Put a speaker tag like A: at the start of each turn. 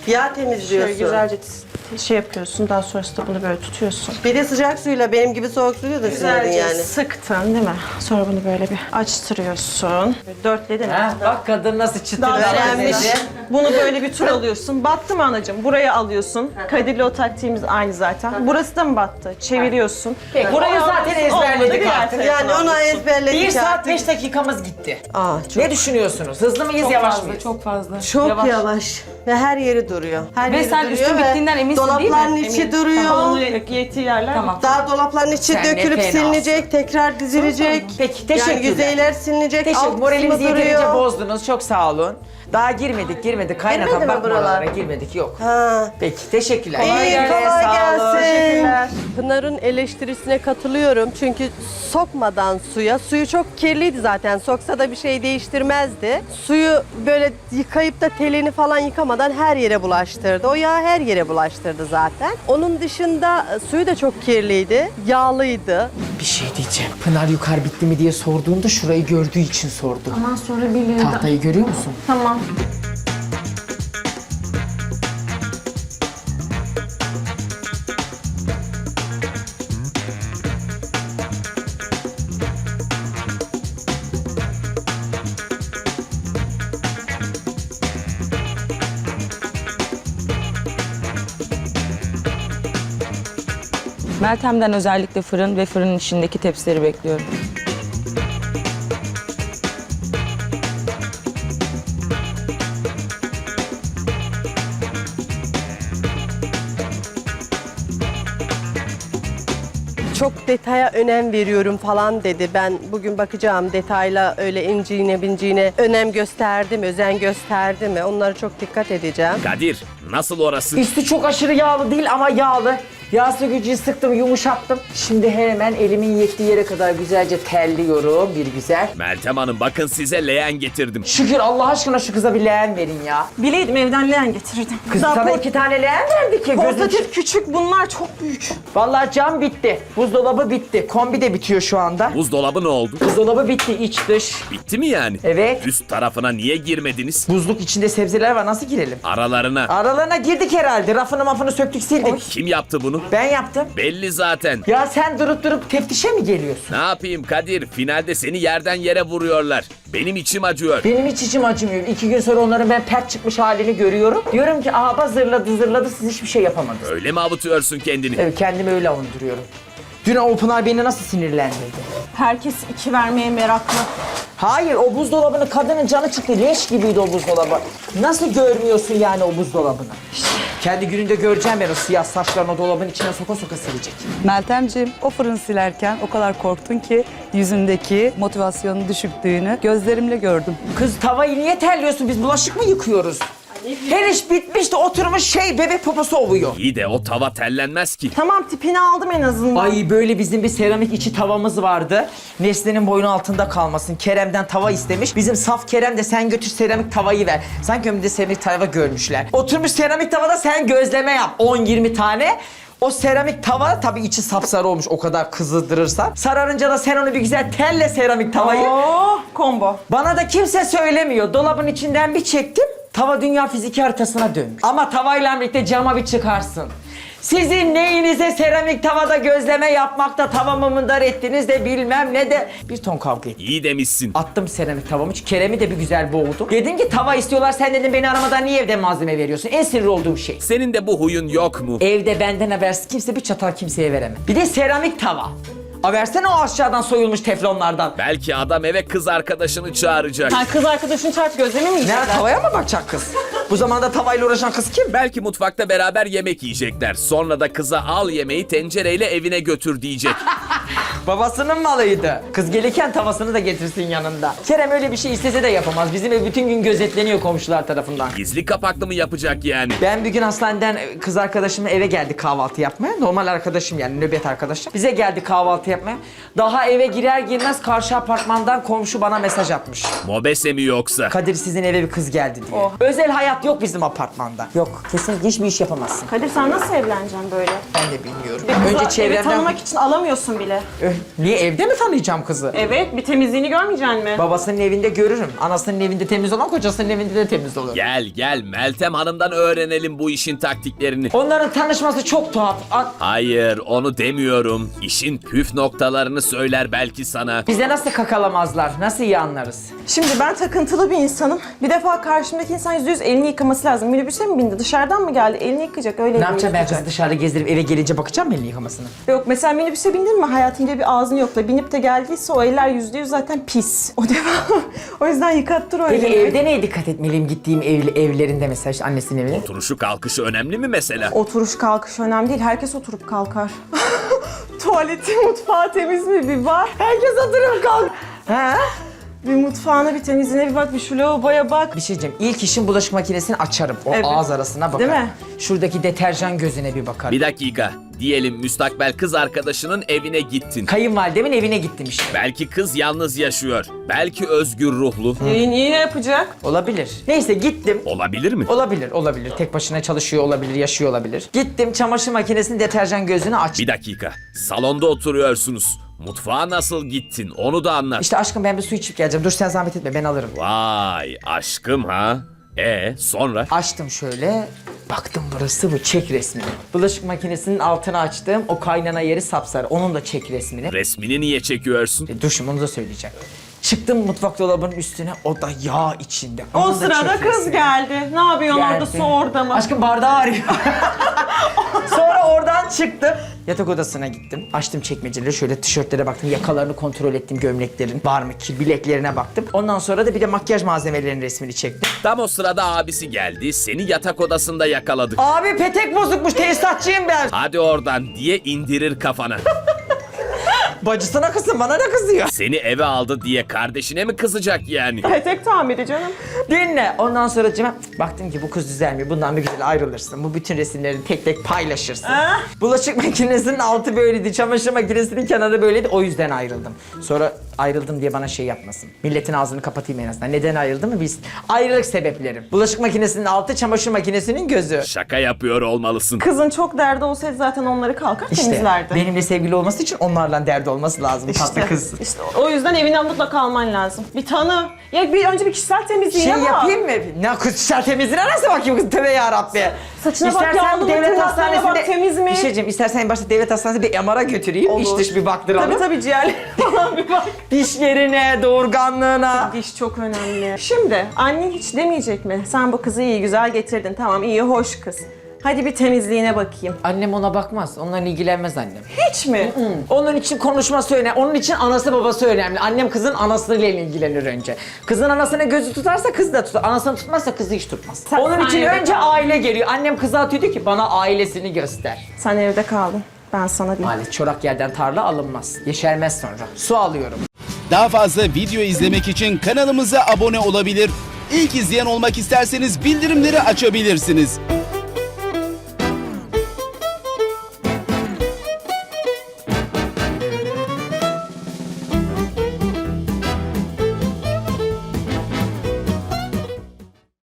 A: Yağ temizliyorsun.
B: Şöyle güzelce şey yapıyorsun. Daha sonrasında bunu böyle tutuyorsun.
A: Bir de sıcak suyla, benim gibi soğuk suyla da silemedin
B: Güzelce
A: yani.
B: sıktın değil mi? Sonra bunu böyle bir açtırıyorsun. Böyle dörtledin.
C: Ha, bak kadın nasıl çıtır
B: Daha öğrenmiş.
C: davranıyor.
B: Bunu böyle bir tur alıyorsun. Battı mı anacığım? Buraya alıyorsun. Kadir'le o taktiğimiz aynı zaten. Burası da mı battı? Çeviriyorsun.
C: Peki, onu zaten
B: alıyorsun.
C: ezberledik
B: Olmadı, diğer
C: artık.
B: tarafına
A: Yani onu
B: alıyorsun.
A: ezberledik
C: 1 saat
A: artık.
C: 5 dakikamız gitti.
A: Çok,
C: Ne düşünüyorsunuz? Hızlı mıyız, yavaş mıyız?
D: Çok fazla.
A: çok yavaş. Ve her yeri duruyor. Her
D: Ve
A: yeri
D: sen
A: duruyor
D: üstün
A: ve
D: bittiğinden eminsin değil mi?
A: dolapların içi duruyor.
B: Onu yettiği yerler.
D: Tamam.
A: Daha dolapların içi
C: Sen ne
A: dökülüp
C: fenasın.
A: silinecek, tekrar dizilecek.
C: Peki, teşekkürler.
A: Yani yüzeyler silinecek,
C: Teşekkür.
A: alt
C: Moralimizi
A: kısmı
C: yeterince
A: duruyor.
C: bozdunuz. Çok sağ olun. Daha girmedik. Kaynakan
A: Girmedi mi
C: bakma
A: buralar?
C: oralara. Girmedik, yok.
A: Ha.
C: Peki, teşekkürler.
A: İyi, kolay
C: Sağ olun.
A: gelsin. Pınar'ın eleştirisine katılıyorum. Çünkü sokmadan suyu çok kirliydi zaten. Soksa da bir şey değiştirmezdi. Suyu böyle yıkayıp da telini falan yıkamadan her yere bulaştırdı. O yağ her yere bulaştırdı zaten. Onun dışında suyu da çok kirliydi. Yağlıydı.
C: Bir şey diyeceğim. Pınar yukarı bitti mi diye sorduğunda şurayı gördüğü için sordu.
D: Ondan sonra bilir.
C: Tahtayı görüyor musun?
D: Tamam. Meltem'den özellikle fırın ve fırının içindeki tepsileri bekliyorum.
A: Çok detaya önem veriyorum falan dedi. Ben bugün bakacağım detayla öyle inciğine binciğine önem gösterdi mi, özen gösterdi mi? Onlara çok dikkat edeceğim.
E: Kadir, nasıl orası?
C: Üstü çok aşırı yağlı değil ama yağlı. Yağ sökücüyü sıktım, yumuşattım. Şimdi hemen elimin yettiği yere kadar güzelce telliyorum bir güzel.
E: Meltem Hanım bakın size leğen getirdim.
C: Şükür Allah aşkına şu kıza bir leğen verin ya.
B: Bileydim evden leğen getirirdim.
C: Kız
B: Daha
C: sana 2 tane leğen verdi ki. Gözün...
B: portatif küçük, bunlar çok büyük.
C: Vallahi cam bitti. Buzdolabı bitti. Kombi de bitiyor şu anda.
E: Buzdolabı ne oldu?
C: Buzdolabı bitti iç dış.
E: Bitti mi yani?
C: Evet.
E: Üst tarafına niye girmediniz?
C: Buzluk içinde sebzeler var, nasıl girelim?
E: Aralarına.
C: Aralarına girdik herhalde. Rafını mafını söktük sildik.
E: Kim yaptı bunu?
C: Ben yaptım.
E: Belli zaten.
C: Ya sen durup teftişe mi geliyorsun?
E: Ne yapayım Kadir? Finalde seni yerden yere vuruyorlar. Benim içim acıyor.
C: Benim hiç içim acımıyor. 2 gün sonra onların ben pert çıkmış halini görüyorum. Diyorum ki aha zırladı siz hiçbir şey yapamadınız.
E: Öyle mi avutuyorsun kendini?
C: Evet, kendimi öyle avunduruyorum. Dün o Pınar beni nasıl sinirlendirdi?
B: Herkes 2 vermeye meraklı.
C: Hayır, o buzdolabını kadının canı çıktı. Leş gibiydi o buzdolabı. Nasıl görmüyorsun yani o buzdolabını? Kendi gününde göreceğim ben o siyah saçlarını o dolabın içine soka silecek.
F: Meltemciğim, o fırın silerken o kadar korktun ki yüzündeki motivasyonun düşüktüğünü gözlerimle gördüm.
C: Kız tavayı niye terliyorsun? Biz bulaşık mı yıkıyoruz? Her iş bitmiş de oturmuş bebek poposu ovuyor.
E: İyi de o tava tellenmez ki.
B: Tamam, tipini aldım en azından.
C: Ay böyle bizim bir seramik içi tavamız vardı. Nesli'nin boynu altında kalmasın. Kerem'den tava istemiş. Bizim saf Kerem de sen götür seramik tavayı ver. Sanki önümde seramik tava görmüşler. Oturmuş seramik tavada sen gözleme yap. 10-20 tane. O seramik tava tabii içi sapsarı olmuş o kadar kızdırırsan. Sararınca da sen onu bir güzel telle seramik tavayı.
B: Oo, combo.
C: Bana da kimse söylemiyor. Dolabın içinden bir çektim. Tava dünya fiziki haritasına dönmüş. Ama tavayla birlikte cama bir çıkarsın. Sizin neyinize seramik tavada gözleme yapmakta tavamı mındar ettiniz de bilmem ne de bir ton kavga ettim.
E: İyi demişsin.
C: Attım seramik tavamı. Kerem'i de bir güzel boğdum. Dedim ki tava istiyorlar, sen dedim beni aramadan niye evden malzeme veriyorsun? En sinir olduğum şey.
E: Senin de bu huyun yok mu?
C: Evde benden habersiz kimse bir çatal kimseye veremem. Bir de seramik tava. Versene o aşağıdan soyulmuş teflonlardan.
E: Belki adam eve kız arkadaşını çağıracak.
B: Sen kız arkadaşın çarp gözleme mi yiyecekler?
C: Nerede tavaya mı bakacak kız? Bu zamanda tavayla uğraşan kız kim?
E: Belki mutfakta beraber yemek yiyecekler. Sonra da kıza al yemeği tencereyle evine götür diyecek.
C: Babasının malıydı. Kız gelirken tavasını da getirsin yanında. Kerem öyle bir şey istese de yapamaz. Bizim ev bütün gün gözetleniyor komşular tarafından.
E: Gizli kapaklı mı yapacak yani?
C: Ben bir gün hastaneden kız arkadaşımla eve geldi kahvaltı yapmaya. Normal arkadaşım yani nöbet arkadaşım. Bize geldi kahvaltı yapmaya. Daha eve girer girmez karşı apartmandan komşu bana mesaj atmış.
E: Mobese mi yoksa?
C: Kadir sizin eve bir kız geldi diye. Özel hayat yok bizim apartmanda. Yok, kesinlikle hiçbir iş yapamazsın.
B: Kadir sen nasıl evleneceksin böyle?
C: Ben de bilmiyorum.
B: Kızı
C: Önce
B: evi
C: çevremden...
B: tanımak için alamıyorsun bile.
C: Niye, evde mi tanıyacağım kızı?
B: Evet, bir temizliğini görmeyeceksin mi?
C: Babasının evinde görürüm. Anasının evinde temiz olan kocasının evinde de temiz olur.
E: Gel Meltem Hanım'dan öğrenelim bu işin taktiklerini.
C: Onların tanışması çok tuhaf.
E: Hayır onu demiyorum. İşin püf noktalarını söyler belki sana.
C: Bize nasıl kakalamazlar? Nasıl iyi anlarız?
B: Şimdi ben takıntılı bir insanım. Bir defa karşımdaki insan %100 elini yıkaması lazım. Minibüse mi bindi? Dışarıdan mı geldi? Elini yıkayacak, öyle
C: Ne
B: elini
C: yapacağım ben
B: yıkayacak.
C: kızı dışarıda gezdirip eve gelince bakacağım mı elini yıkamasına?
B: Yok mesela minibüse bindin mi hayatında bir ağzını yokla. Binip de geldiyse o eller %100 zaten pis. O defa o yüzden yıkattır o
C: Peki
B: elini.
C: evde neye dikkat etmeliyim gittiğim evlerinde mesela işte annesinin evine?
E: Oturuşu kalkışı önemli mi mesela?
B: Oturuş kalkış önemli değil. Herkes oturup kalkar. Tuvaleti, mutfağı temiz mi bir bak.
C: Herkes oturup kalk. Ha?
B: Bir mutfağına bir temizliğine bir bak. Bir şu lavaboya bak.
C: Bir şey diyeceğim. İlk işim bulaşık makinesini açarım. O
B: Evet.
C: ağız arasına bakarım.
B: Değil mi?
C: Şuradaki deterjan gözüne bir bakarım.
E: Bir dakika. Diyelim müstakbel kız arkadaşının evine gittin.
C: Kayınvalidemin evine gittim işte.
E: Belki kız yalnız yaşıyor. Belki özgür ruhlu.
B: Niye yapacak?
C: Olabilir. Neyse gittim.
E: Olabilir mi?
C: Olabilir. Tek başına çalışıyor olabilir, yaşıyor olabilir. Gittim çamaşır makinesinin deterjan gözünü açtım.
E: Bir dakika. Salonda oturuyorsunuz. Mutfağa nasıl gittin? Onu da anlat.
C: İşte aşkım ben bir su içip geleceğim. Dur sen zahmet etme ben alırım.
E: Vay aşkım ha. Sonra?
C: Açtım şöyle. Baktım burası bu çek resmini. Bulaşık makinesinin altını açtım. O kaynana yeri sapsarı. Onun da çek resmini.
E: Resmini niye çekiyorsun?
C: Dur şimdi onu da söyleyeceğim. Çıktım mutfak dolabının üstüne. O da yağ içinde.
B: O
C: Onun da
B: sırada
C: çek
B: kız
C: resmi.
B: geldi. Ne yapıyorsun orada,
C: Geldi.
B: su orada mı?
C: Aşkım bardağı arıyor. Sonra oradan çıktım. Yatak odasına gittim. Açtım çekmeceleri. Şöyle tişörtlere baktım. Yakalarını kontrol ettim. Gömleklerin var mı ki? Bileklerine baktım. Ondan sonra da bir de makyaj malzemelerinin resmini çektim.
E: Tam o sırada abisi geldi. Seni yatak odasında yakaladı.
C: Abi petek bozukmuş. Tesisatçıyım ben.
E: Hadi oradan diye indirir kafana.
C: Bacısına kızsın. Bana ne kızıyor?
E: Seni eve aldı diye kardeşine mi kızacak yani?
B: Petek tamiri canım.
C: Dinle. Ondan sonra baktım ki bu kız düzelmiyor. Bundan bir güzel ayrılırsın. Bu bütün resimleri tek tek paylaşırsın. Bulaşık makinesinin altı böyleydi. Çamaşır makinesinin kenarı böyleydi. O yüzden ayrıldım. Sonra ayrıldım diye bana şey yapmasın. Milletin ağzını kapatayım en azından. Neden ayrıldım mı biz? Ayrılık sebeplerim. Bulaşık makinesinin altı, çamaşır makinesinin gözü.
E: Şaka yapıyor olmalısın.
B: Kızın çok derdi olsaydı zaten onları kalkar
C: İşte
B: temizlerdi.
C: benimle sevgili olması için onlarla derdi olması lazım. Tatlı kız.
B: İşte o yüzden evinden mutlaka alman lazım. Bir tanı. Ya bir önce bir kişisel temizliğine
C: Şey
B: bak.
C: yapayım mı? Ne kızlar temizliğine nasıl bakayım kız? Tövbe yarabbi.
B: Saçına bak,
C: İstersen
B: yağlı mı,
C: devlet
B: tırnaklarına bak,
C: hastanesinde
B: temiz mi?
C: Bir şey diyeceğim. İstersen en başta devlet hastanesine bir MR'a götüreyim.
B: Olur.
C: İç dış bir baktıralım.
B: Tabii ciğerleri falan bir bak.
C: Dişlerine, doğurganlığına.
B: Diş çok önemli. Şimdi annen hiç demeyecek mi? Sen bu kızı iyi güzel getirdin. Tamam iyi hoş kız. Hadi bir temizliğine bakayım.
C: Annem ona bakmaz. Onunla ilgilenmez annem.
B: Hiç mi?
C: Onun için konuşması önemli. Onun için anası babası önemli. Annem kızın anasıyla ilgilenir önce. Kızın anasına gözü tutarsa kız da tutar. Anasını tutmazsa kızı hiç tutmaz. Onun için
B: evde
C: önce
B: kal.
C: aile geliyor. Annem kıza atıyor diyor ki bana ailesini göster.
B: Sen evde kaldın. Ben sana diyeyim.
C: Maalesef çorak yerden tarla alınmaz. Yeşermez sonra. Su alıyorum.
G: Daha fazla video izlemek için kanalımıza abone olabilir. İlk izleyen olmak isterseniz bildirimleri açabilirsiniz.